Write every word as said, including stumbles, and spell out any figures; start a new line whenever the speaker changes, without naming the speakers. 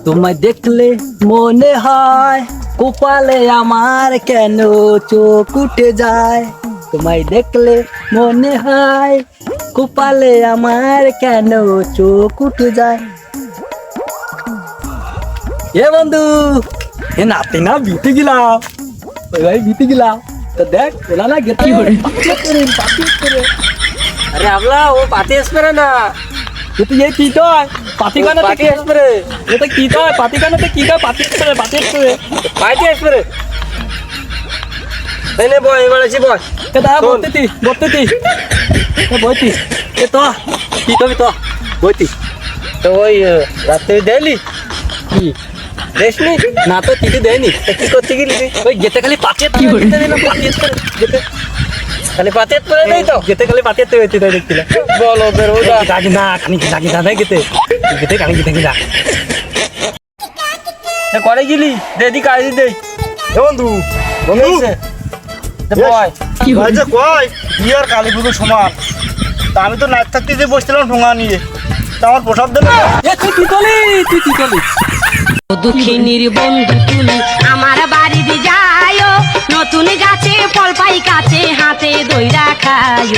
তোমায় দেখলে মনে হয় কপালে আমার কেন চোখ উঠে যায়। তোমায় দেখলে মনে হয় কপালে আমার কেন চোখ উঠে যায়। এ বন্ধু, এ নাতে না বিতে গেলাম, ওই ভাই বিতে গেলাম তো দেখ ওলা না গেতে করে।
अरे आपला वो पाती स्प्रे ना
তুই এই কি কয় পাতি কানা
पाती
থেকে
स्प्रे
এটা কি কয় পাতি কানাতে কি কয় পাতি করে পাতি করে
पाती स्प्रे नहीं नहीं बॉय वाला सी बॉय
এটা
শোন।
বলতেতি বলতেতি এ বইতি এ তো কি কবি তো বইতি
तो वही रास्ते में दिल्ली
কি
रेशमी
না তো কিছু দেয়নি
की करती की ली
ওই গেতে খালি পাতি কি করে পাতি করে গেতে
खाली पाती स्प्रे नहीं तो
গেতে খালি পাতি তো হইতে দেখছিলা
बोलो फिर वो
ওটা গাজি না খানি লাগি দাদা গেতে গেতে কানি গেতে গিলা
करे गिली दे दी काली दे
এ বন্ধু
बंगई से the boy
ভাই যে কয় বিয়ে আর কালী পুজো সমান, তা আমি তো নাচ থাকতে যে বসছিলাম ঠোঙা নিয়ে, তা আমার প্রসাদ দেবে না।
এ তুই কি করলি তুই কি করলি
দুঃখিনীর বন্ধু তুমি আমার বাড়িতে যাইও, নতুন গাছে ফল পাই কাছে হাতে দইরা খায়।